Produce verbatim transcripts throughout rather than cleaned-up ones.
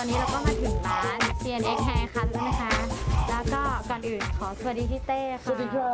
อนนี้เราก็มาถึงร้าน ซี เอ็น เอ็กซ์ Haircut แล้วนะคะ แล้วก็ก่อนอื่นขอสวัสดีพี่เต้ค่ะสวัสดีครับ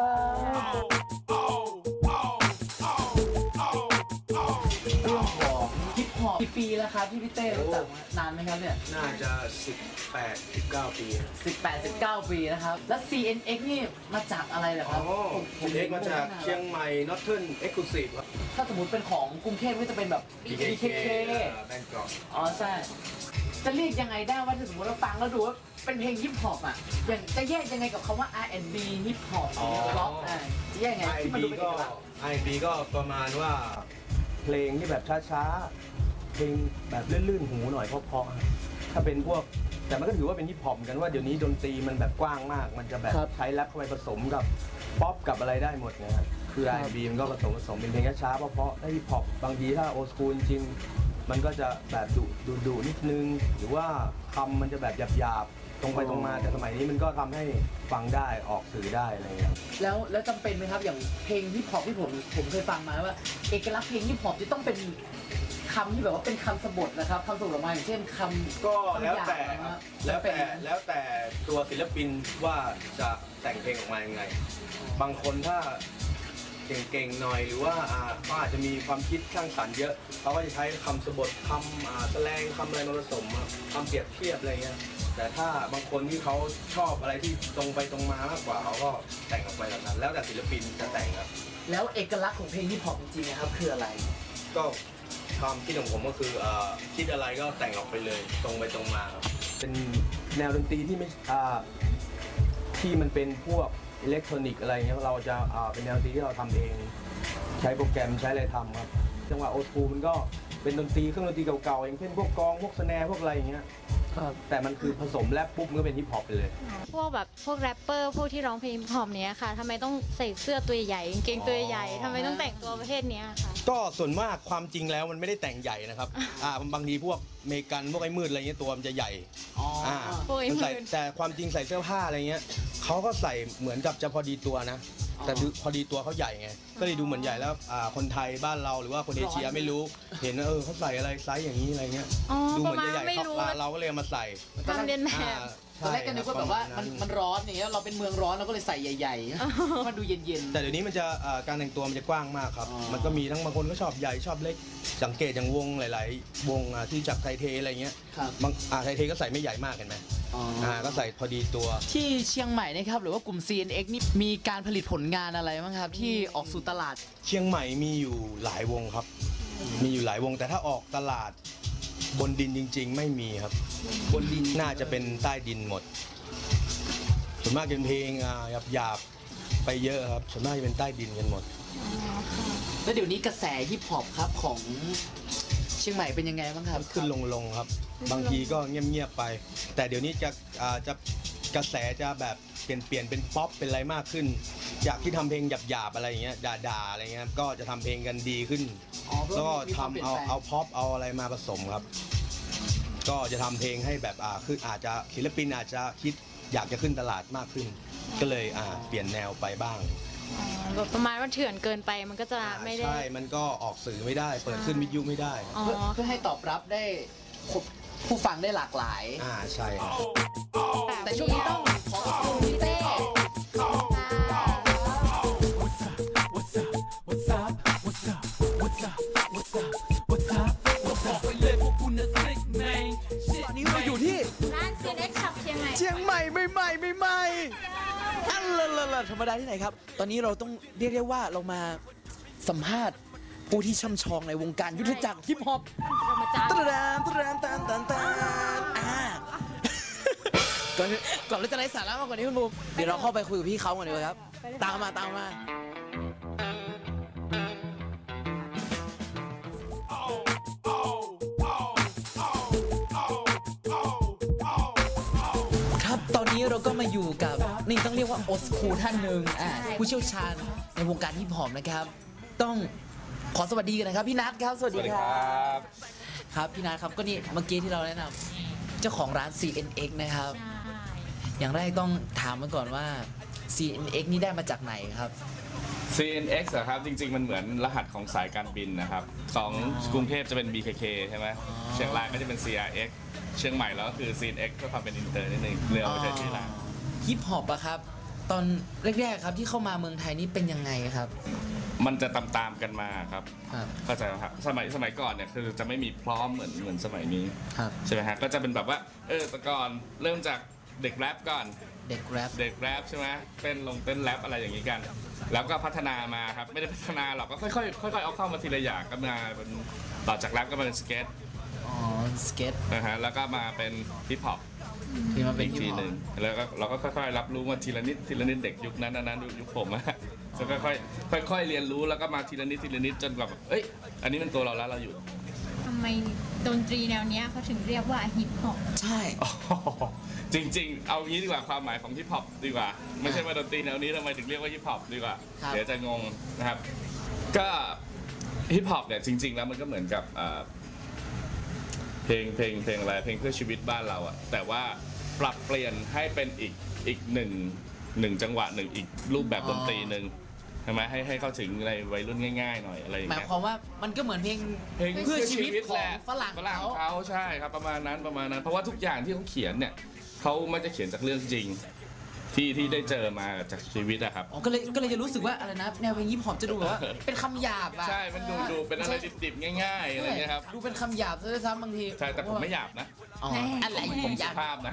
เรื่องของฮิปฮอปกี่ปีแล้วครับที่พี่เต้รู้จักมานานไหมครับเนี่ยน่าจะสิบแปด สิบเก้าปีสิบแปด สิบเก้าปีนะครับแล้ว ซี เอ็น เอ็กซ์ นี่มาจากอะไรเหรอครับผมซี เอ็น เอ็กซ์ มาจากเชียงใหม่ Northern Exclusive ครับถ้าสมมติเป็นของกรุงเทพก็จะเป็นแบบบี เค เค แบงก์กอกอ๋อใช่จะเรียกยังไงได้ว่าถ้าสมมติเราฟังแล้วดูว่าเป็นเพลงฮิปฮอปอ่ะอย่างจะแยกยังไงกับคำว่า อาร์ แอนด์ บี ฮิปฮอปหรือร็อกอ่ะจะแยกยังไงที่มันดูเป็นเอกลักษณ์อาร์ แอนด์ บี ก็ประมาณว่าเพลงที่แบบช้าๆเพลงแบบลื่นๆหูหน่อยเพราะๆถ้าเป็นพวกแต่มันก็ถือว่าเป็นฮิปฮอปเหมือนกันว่าเดี๋ยวนี้ดนตรีมันแบบกว้างมากมันจะแบบใช้แรปเข้าไปผสมกับป๊อปกับอะไรได้หมดนะครับคือ อาร์ แอนด์ บี มันก็ผสมผสมเป็นเพลงช้าๆเพราะๆถ้าฮิปฮอปบางทีถ้าโอสคูลจริงมันก็จะแบบดุดุดุนิดนึงหรือว่าคำมันจะแบบหยาบๆตรงไปตรงมาแต่สมัยนี้มันก็ทำให้ฟังได้ออกสื่อได้อะไรอย่างเงี้ยแล้วแล้วจำเป็นไหมครับอย่างเพลงฮิปฮอปที่ผมผมเคยฟังมาว่าเอกลักษณ์เพลงฮิปฮอปจะต้องเป็นคำที่แบบว่าเป็นคำสะบทนะครับคำสะบทออกมาอย่างเช่นคำก็แล้วแต่แล้วแต่แล้วแต่ตัวศิลปินว่าจะแต่งเพลงออกมายังไงบางคนถ้าเก่งๆหน่อยหรือว่าเขาอาจจะมีความคิดสร้างสรรค์เยอะเขาก็จะใช้คำสะบทคำแสลงคำอะไรมาผสมคำเปรียบเทียบอะไรเงี้ยแต่ถ้าบางคนที่เขาชอบอะไรที่ตรงไปตรงมามากกว่าเขาก็แต่งออกไปแบบนั้นแล้วแต่ศิลปินจะแต่งครับแล้วเอกลักษณ์ของเพลงฮิปฮอปจริงๆนะครับคืออะไรก็ความคิดของผมก็คือคิดอะไรก็แต่งออกไปเลยตรงไปตรงมาครับเป็นแนวดนตรีที่ไม่ที่มันเป็นพวกอิเล็กทรอนิกส์อะไรเงี้ยเราจะเป็นแนวดนตรีที่เราทำเองใช้โปรแกรมใช้อะไรทำครับจังหวะโอสคูลมันก็เป็นดนตรีเครื่องดนตรีเก่าๆอย่างเช่นพวกกลองพวกสแนร์พวกอะไรอย่างเงี้ยแต่มันคือผสมแรปปุ๊บมันก็เป็นฮิปฮอปไปเลยพวกแบบพวกแรปเปอร์พวกที่ร้องเพลงฮิปฮอปเนี้ยค่ะทำไมต้องใส่เสื้อตัวใหญ่กางเกงตัวใหญ่ทำไมต้องแต่งตัวประเภทนี้ค่ะก็ส่วนมากความจริงแล้วมันไม่ได้แต่งใหญ่นะครับอ่าบางทีพวกเมกันพวกไอ้มืดอะไรเงี้ยตัวมันจะใหญ่อ่าใส่แต่ความจริงใส่เสื้อผ้าอะไรเงี้ยเขาก็ใส่เหมือนกับจะพอดีตัวนะแต่พอดีตัวเขาใหญ่ไงก็เลยดูเหมือนใหญ่แล้วคนไทยบ้านเราหรือว่าคนเอเชียไม่รู้เห็นเออเขาใส่อะไรไซส์อย่างนี้อะไรเงี้ยดูเหมือนใหญ่ๆเขาเราก็เลยมาใส่ทำเรียนแบบตอนแรกก็นึกว่าแบบว่ามันมันร้อนอย่างเงี้ยเราเป็นเมืองร้อนเราก็เลยใส่ใหญ่ๆมันดูเย็นๆแต่เดี๋ยวนี้มันจะการแต่งตัวมันจะกว้างมากครับมันก็มีทั้งบางคนก็ชอบใหญ่ชอบเล็กสังเกตอย่างวงหลายๆวงที่จากไทยเทอะไรเงี้ยบางไทยเทก็ใส่ไม่ใหญ่มากเห็นไหมอ่าก็ใส่พอดีตัวที่เชียงใหม่นะครับหรือว่ากลุ่ม ซี เอ็น เอ็กซ์ นี่มีการผลิตผลงานอะไรบ้างครับที่ออกสู่ตลาดเชียงใหม่มีอยู่หลายวงครับมีอยู่หลายวงแต่ถ้าออกตลาดบนดินจริงๆไม่มีครับบนดินน่าจะเป็นใต้ดินหมดส่วนมากเป็นเพลงหยาบๆไปเยอะครับส่วนมากจะเป็นใต้ดินกันหมดแล้วเดี๋ยวนี้กระแสฮิปฮอปครับของเชียงใหม่เป็นยังไงบ้างครับขึ้นลงๆครับบางทีก็เงียบๆไปแต่เดี๋ยวนี้จะจะกระแสจะแบบเปลี่ยนเปลี่ยนเป็นป๊อปเป็นอะไรมากขึ้นจากที่ทำเพลงหยาบๆอะไรอย่างเงี้ยด่าๆอะไรเงี้ยก็จะทำเพลงกันดีขึ้นแล้วก็ทำเอาเอาพ็อปเอาอะไรมาผสมครับก็จะทำเพลงให้แบบอ่าคืออาจจะศิลปินอาจจะคิดอยากจะขึ้นตลาดมากขึ้นก็เลยอ่าเปลี่ยนแนวไปบ้างแบบประมาณว่าเถื่อนเกินไปมันก็จะไม่ได้ใช่มันก็ออกสื่อไม่ได้เปิดขึ้นวิทยุไม่ได้เพื่อให้ตอบรับได้ผู้ฟังได้หลากหลายอ่าใช่แต่ช่วงนี้ต้องขอขอบคุณพี่เต้ตอนนี้เราอยู่ที่ร้าน ซี เอ็น เอ็กซ์ Shop เชียงใหม่เชียงใหม่ใหม่ใหม่ใหม่อันละธรรมดาที่ไหนครับตอนนี้เราต้องเรียกได้ว่าเรามาสัมภาษณ์ผู้ที่ช่ำชองในวงการยุทธจักรฮิปฮอปตะดานตะดานตันตันตันอ่าก่อนก่อนเราจะไร้สาระมากกว่านี้คุณบูมเดี๋ยวเราเข้าไปคุยกับพี่เขาก่อนดีกว่าครับตามมาตามมาครับตอนนี้เราก็มาอยู่กับนี่ต้องเรียกว่าโอสคูท่านหนึ่งอ่าผู้เชี่ยวชาญในวงการฮิปฮอปนะครับต้องขอสวัสดีกันนะครับพี่นัทครับสวัสดีครับครับพี่นัทครับก็นี่เมื่อกี้ที่เราแนะนำเจ้าของร้าน ซี เอ็น เอ็กซ์ นะครับอย่างแรกต้องถามมาก่อนว่า ซี เอ็น เอ็กซ์ นี่ได้มาจากไหนครับซี เอ็น เอ็กซ์ อะครับจริงๆมันเหมือนรหัสของสายการบินนะครับของกรุงเทพจะเป็น บี เค เค ใช่ไหมเชียงรายก็จะเป็น ซี อาร์ เอ็กซ์ เชียงใหม่แล้วก็คือ ซี เอ็น เอ็กซ์ เพื่อความเป็นอินเตอร์นิดนึงเรือไม่ใช่ชื่อร้านฮิปฮอปอะครับ ตอนแรกๆครับที่เข้ามาเมืองไทยนี่เป็นยังไงครับมันจะตามๆกันมาครับครับเข้าใจไหมครับสมัยสมัยก่อนเนี่ยคือจะไม่มีพร้อมเหมือนเหมือนสมัยนี้ครับใช่ไหมฮะก็จะเป็นแบบว่าเออแต่ก่อนเริ่มจากเด็กแรปก่อนเด็กแรปเด็กแรปใช่ไหมเต้นลงเต้นแรปอะไรอย่างนี้กัน แล้วก็พัฒนามาครับไม่ได้พัฒนาหรอกก็ค่อยๆค่อยๆเอาเข้ามาทีละอย่างก็มาเป็นต่อจากแรปก็มาเป็นสเก็ตอ๋อสเก็ตนะฮะแล้วก็มาเป็นฮิปฮอปที่มาเป็นอีกฮิปทีฮอหนึ่ปงแล้วก็เราก็ค่อยๆรับรู้มาทีละนิดทีละนิดเด็กยุคนั้นนะนั้นยุคผมอะก็ค่อยๆค่อยๆเรียนรู้แล้วก็มาทีละนิดทีละนิดจนแบบเอ้ยอันนี้เป็นตัวเราแล้วเราอยู่ทำไมดนตรีแนวเนี้ยเขาถึงเรียกว่าฮิปฮอปใช่อ๋อจริงๆ เอางี้ดีกว่าความหมายของฮิปฮอปดีกว่า ไม่ใช่ว่าดนตรีแนวนี้ทำไมถึงเรียกว่าฮิปฮอปดีกว่าครับเดี๋ยวจะงงนะครับ ก็ฮิปฮอปเนี่ยจริง ๆ แล้วมันก็เหมือนกับอ่าเพลงเพลงเพลงอะไรเพลงเพื่อชีวิตบ้านเราอะแต่ว่าปรับเปลี่ยนให้เป็นอีกอีกหนึ่งหนึ่งจังหวะหนึ่งอีกรูปแบบดนตรีหนึ่งใช่ไหมให้ให้เข้าถึงในวัยรุ่นง่าย ๆ หน่อยอะไรอย่างหมายเงี้ยความว่ามันก็เหมือนเพลงเพลงเพื่อชีวิตขแหองละฝรั่งฝรั่งเขาเขาใช่ครับประมาณนั้นประมาณนั้น เพราะว่าทุกอย่างที่เขาเขียนเนี่ยเขาไม่จะเขียนจากเรื่องจริง ที่ที่ได้เจอมาจากชีวิตอะครับอ๋อก็เลยก็เลยจะรู้สึกว่าอะไรนะแนวเพลงฮิปฮอปจะดูแบบว่าเป็นคำหยาบอะใช่มันดูดูเป็นอะไรดิบๆง่ายๆอะไรเงี้ยครับดูเป็นคำหยาบซะด้วยซ้ำบางทีใช่แต่ผมไม่หยาบนะอ๋ออะไรผมหสุยาบภาพนะ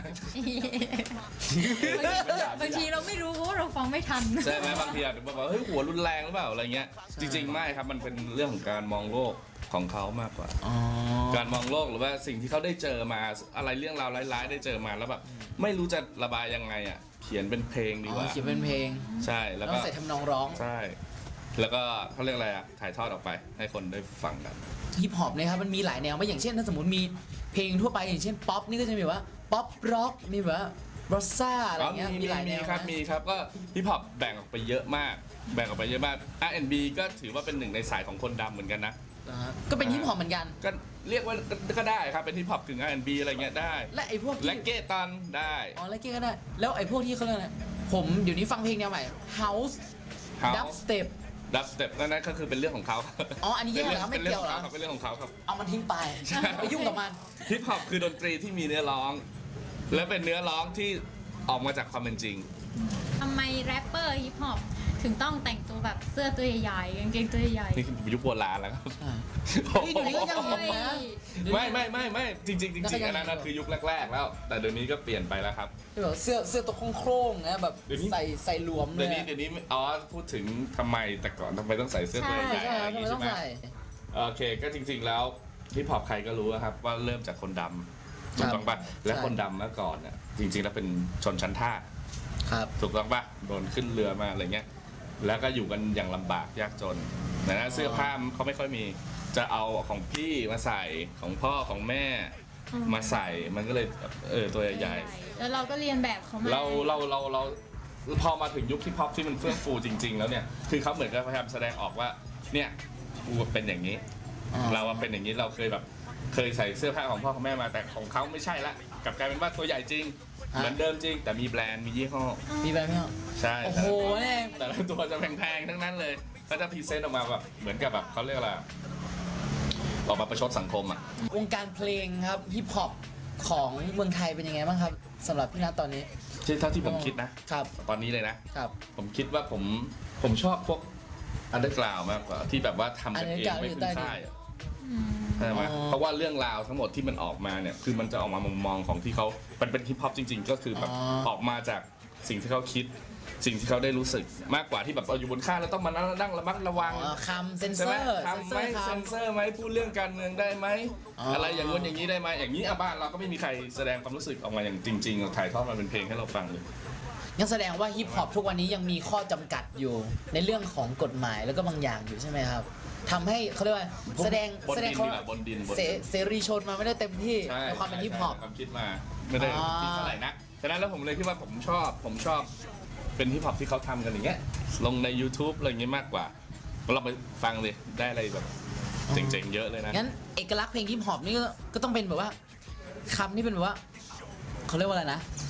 บางทีเราไม่รู้เพราะว่าเราฟังไม่ทันใช่ไหมบางทีอาจจะแบบว่าเฮ้ยหัวรุนแรงหรือเปล่าอะไรเงี้ยจริงๆไม่ครับมันเป็นเรื่องของการมองโลกของเขามากกว่าอ๋อการมองโลกหรือว่าสิ่งที่เขาได้เจอมาอะไรเรื่องราวร้ายๆ ได้เจอมาแล้วแบบไม่รู้จะระบายยังไงอ่ะเขียนเป็นเพลงดีอ๋กว่าอเขียนเป็นเพลงใช่แล้วต้ก็องใส่ทำนองร้องใช่ แล้วก็เขาเรียกอะไรอ่ะถ่ายทอดออกไปให้คนได้ฟังกันฮิปฮอปเนะครับมันมีหลายแนวไม่อย่างเช่นถ้าสมมติมีเพลงทั่วไปอย่างเช่นป๊อปนี่ก็จะมีแบบว่าป๊อปร็อกมีแบบว่าร็อกซ่าอะไรเงี้ยมีมีหลายแนมีวครับนะมีครับก็ฮิปฮอปแบ่งออกไปเยอะมาก แบ่งออกไปเยอะมาก อาร์ แอนด์ บี ก็ถือว่าเป็นหนึ่งในสายของคนดำเหมือนกันนะอ่าฮะก็เป็นฮิปฮอปเหมือนกันก็เรียกว่าก็ได้ครับเป็นฮิปฮอปถึง อาร์ แอนด์ บี อะไรเงี้ยได้และไอ้พวกที่และเกตันได้อ๋อแล้วเก้ก็ได้ แล้วไอ้พวกที่เขาเรียกอะไรผมเดี๋ยวนี้ฟังเพลงแนวใหม่ House House Dubstep ดับสเต็ปนั่นก็คือเป็นเรื่องของเขาอ๋ออันนี้แยกเหรอเป็นไม่เกี่ยวเหรอเป็นเรื่องของเขาครับเอามันทิ้งไปไปยุ่งกับมันฮิปฮอปคือดนตรีที่มีเนื้อร้อง และเป็นเนื้อร้องที่ออกมาจากความเป็นจริงทำไมแรปเปอร์ฮิปฮอปถึงต้องแต่งตัวแบบเสื้อตัวใหญ่ๆกางเกงตัวใหญ่นี่คือยุคโบราณแล้วครับอ่า นี่เดี๋ยวนี้ก็ยังๆเห็นนะไม่ไม่ไม่ไม่จริงๆจแล้วก็ริงๆยังอันนั้นนะคือยุคแรกๆแล้ว แต่เดี๋ยวนี้ก็เปลี่ยนไปแล้วครับที่แบบเสื้อเสื้อตัวโคร่งๆนะแบบเดี๋ยวนี้ใส่ใส่หลวมเลเดี๋ยวย นี้เดี๋ยวนี้อ๋อพูดถึงทำไมแต่ก่อนทำไมต้องใส่เสื้อตัวใช่ใหญ่ใช่อะไรคอรับย่างทำไมงี้ต้ใช่องไหมใส่โอเคก็จริง ๆแล้วฮิปฮอปใครก็รู้นะครับว่าเริ่มจากคนดำถูกต้องปะและใช่คนดำเมื่อก่อนเนี่ยจริงๆแล้วเป็นชนชั้นทาสครับถูกต้องปะโดนขึ้นเรือมาอะไรเงี้ยแล้วก็อยู่กันอย่างลำบากยากจนนะนะเสื้อผ้าเขาไม่ค่อยมีจะเอาของพี่มาใส่ของพ่อของแม่มาใส่มันก็เลยเออตัวใหญ่แล้วเราก็เรียนแบบเขามาๆเราเราเราเราพอมาถึงยุคที่พ็อปที่มันเฟื่องฟูจริง ๆ แล้วเนี่ยคือเขาเหมือนกับพยายามแสดงออกว่าเนี่ยกูเป็นอย่างนี้อ๋อเราอะเป็นอย่างนี้เราเคยแบบเคยใส่เสื้อผ้าของพ่อของแม่มาแต่ของเขาไม่ใช่ละกลับกลายเป็นว่าตัวใหญ่จริง เหมือนเดิมจริง แต่มีแบรนด์มียี่ห้อมีแบบไหมครับใช่โอ้โหเนี่ยแต่ละตัวจะแพงๆทั้งนั้นเลยก็จะพรีเซนต์ออกมาแบบเหมือนกับแบบเขาเรียกอะไรอะออกมาประชดสังคมอ่ะวงการเพลงครับฮิปฮอปของเมืองไทยเป็นยังไงบ้างครับสำหรับพี่นัทตอนนี้ที่เท่าที่ผมคิดนะครับ ตอนนี้เลยนะครับผมคิดว่าผมผมชอบพวกอันเดอร์กราวมากกว่าที่แบบว่าทำกันเองไม่พึ่งค่ายอะอืมใช่ไหมอ๋อเพราะว่าเรื่องราวทั้งหมดที่มันออกมาเนี่ยคือมันจะออกมามุมมองของที่เขามันเป็นฮิปฮอปจริง ๆ ก็คือแบบอ๋อออกมาจากสิ่งที่เขาคิด สิ่งที่เขาได้รู้สึกมากกว่าที่แบบเราอยู่บนค่ายแล้วต้องมานั่งระมัดระวังอ๋อคำเซนเซใช่อไหมร์ทำไหมเซเซนนเซเซออร์ร์ไหมพูดเรื่องการเมืองได้ไหมอ๋อออะไรอย่างงู้นอย่างนี้ได้ไหมอย่างนี้อ่ะบ้านเราก็ไม่มีใครแสดงความรู้สึกออกมาอย่างจริงๆถ่ายทอดมาเป็นเพลงให้เราฟังเลยงั้นแสดงว่าฮิปฮอปทุกวันนี้ยังมีข้อจำกัดอยู่ ในเรื่องของกฎหมายแล้วก็บางอย่างอยู่ใช่ไหมครับทำให้เขาเรียกว่าแสดงบนแสดดิงนเขาดีกว่าบนดินบนเสดินเสรีชนมาไม่ได้เต็มที่ใช่ในความเป็นฮิปฮอปใช่ความคิดมาไม่ได้อ๋อคิดเท่าไหร่นะฉะนั้นแล้วผมเลยคิดว่าผมชอบผมชอบเป็นฮิปฮอปที่เขาทำกันอย่างเงี้ยลงใน YouTube อะไรอย่างเงี้ยมากกว่าเราไปฟังเลยได้อะไรแบบเจ๋งๆเยอะเลยนะงั้นเอกลักษณ์เพลงฮิปฮอปนี่ก็ก็ต้องเป็นแบบว่าคำที่เป็นแบบว่าเขาเรียกว่าอะไรนะ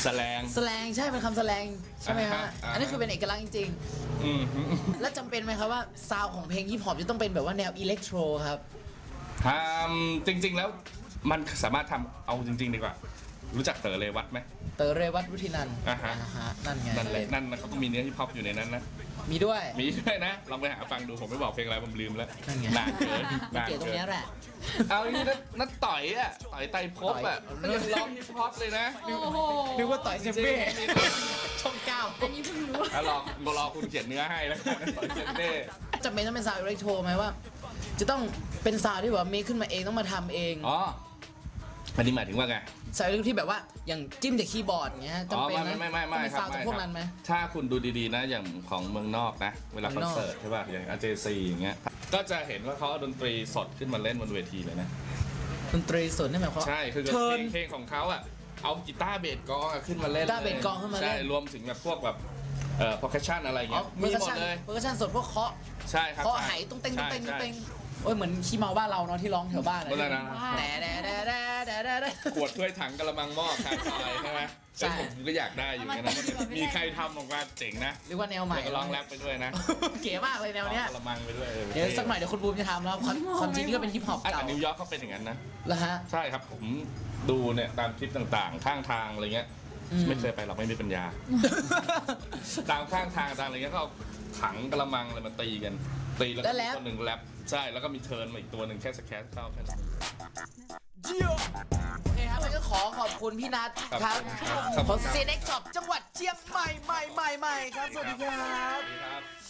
แสลงแสลงใช่เป็นคำแสลงใช่ไหมฮะอ่าฮะอ่าฮะอันนี้คือเป็นเอกลักษณ์จริงอืมๆ แล้วจำเป็นไหมครับว่าซาวของเพลงฮิปฮอปจะต้องเป็นแบบว่าแนวอิเล็กโทรครับทำจริง ๆ แล้วมันสามารถทำเอาจริง ๆ ดีกว่า รู้จักเต๋อเรวัตไหมเต๋อเรวัตวุฒินันท์อ่าฮะนั่นไงนั่นแหละนั่นนะเขาต้องมีเนื้อฮิปฮอปอยู่ในนั้นนะมีด้วยมีด้วยนะลองไปหาฟังดูผมไม่บอกเพลงอะไรผมลืมแล้วนั่นไงนานเกินนานเกี่ยวตรงเกิเนี้ยนแหละเอาอย่างนี้นะนัดต่อยอ่ะต่อยไตรภพอ่ะต่อยยังร้องฮิปฮอปเลยนะโอ้โหนึกว่าต่อยเซมเบ้ช่องเก้าอันนี้เพิ่งรู้ถ้าลองรอคุณเขียนเนื้อให้แล้วกันต่อยเซนเบ้จำเป็นต้องเป็นซาวด์อิเล็กโทรไหมว่า จะต้องเป็นซาวด์ที่แบบว่าเมคขึ้นมาเองต้องมาทำเองอ๋ออันนี้หมายถึงว่าไงซาวด์อิเล็กโทรที่แบบว่าอย่างจิ้มจากคีย์บอร์ดอย่างเงี้ยอ๋อจำเป็นไม่ไหมไม่ไม่ไม่ต้องเป็นครับซาวด์จากพวกนั้นไหมถ้าคุณดูดีๆนะอย่างของเมืองนอกนะ เวลาเมืคออน งนอกเสิร์ตใช่ป่ะอย่างอาเจซีอย่างเงี้ยก็จะเห็นว่าเขาเอาดนตรีสดขึ้นมาเล่นบนเวทีเลยนะดนตรีสดนี่หมายความว่าใช่คือเทิเพร์ลนงเพลงของเขาอ่ะเอากีตาร์เบสกลองอะขึ้นมาเล่นกีตาร์เบสกลองขึ้นมาเล่นใช่รวมถึงแบบพวกแบบเอ่อ percussion อะไรอ๋อเงี้ยเปอมีร์คัชหมดชั่นเลยเปอร์คัชชั่นสดพวกเคาะใช่ครับเคาะไหตุ้งเต้งตุ้งเต้งตุ้งเต้งโอ้ยเหมือนขี้เมาบ้านเราเนาะที่ร้องแถวบ้านเมื่อไหร่นะแต่แต่แต่แต่แต่แต่แต่ขวดถ้วยถังกระมังหม้อคาซอยใช่ไหมใช่เอ้ยผมก็อยากได้อยู่เหมือนกันนะมีใครทำออกมาเจ๋งนะเรียกว่าแนวใหม่แล้วก็ร้องแรปไปด้วยนะเก๋มากเลยแนวเนี้ยกระมังไปด้วยออเดี๋ยวสักหน่อยเดี๋ยวคุณบูมจะทำแล้วความความจริงนี่ก็เป็นฮิปฮอปอ่ะเก่าแต่นิวยอร์กเขาเป็นอย่างนั้นนะแล้วฮะใช่ครับผมดูเนี่ยตามคลิปต่างๆ ข้างทางอะไรเงี้ยอืมไม่เคยไปหรอกไม่มีปัญญา ตามข้างทางตามอะไรเงี้ยก็เอาถังกระมังอะไรมาตีกันตีแล้วก็มีคนหนึ่งแรปใช่แล้วก็มีเทิร์นมาอีกตัวหนึ่งแค่สแครเข้าแค่นั้นโอเคครับแล้วก็ขอขอบคุณพี่นัทครับครับของเซเน็กช็อปจังหวัดเชียงใหม่ใหม่ใหม่ใหม่ครับ สวัสดีครับสวัสดีครับ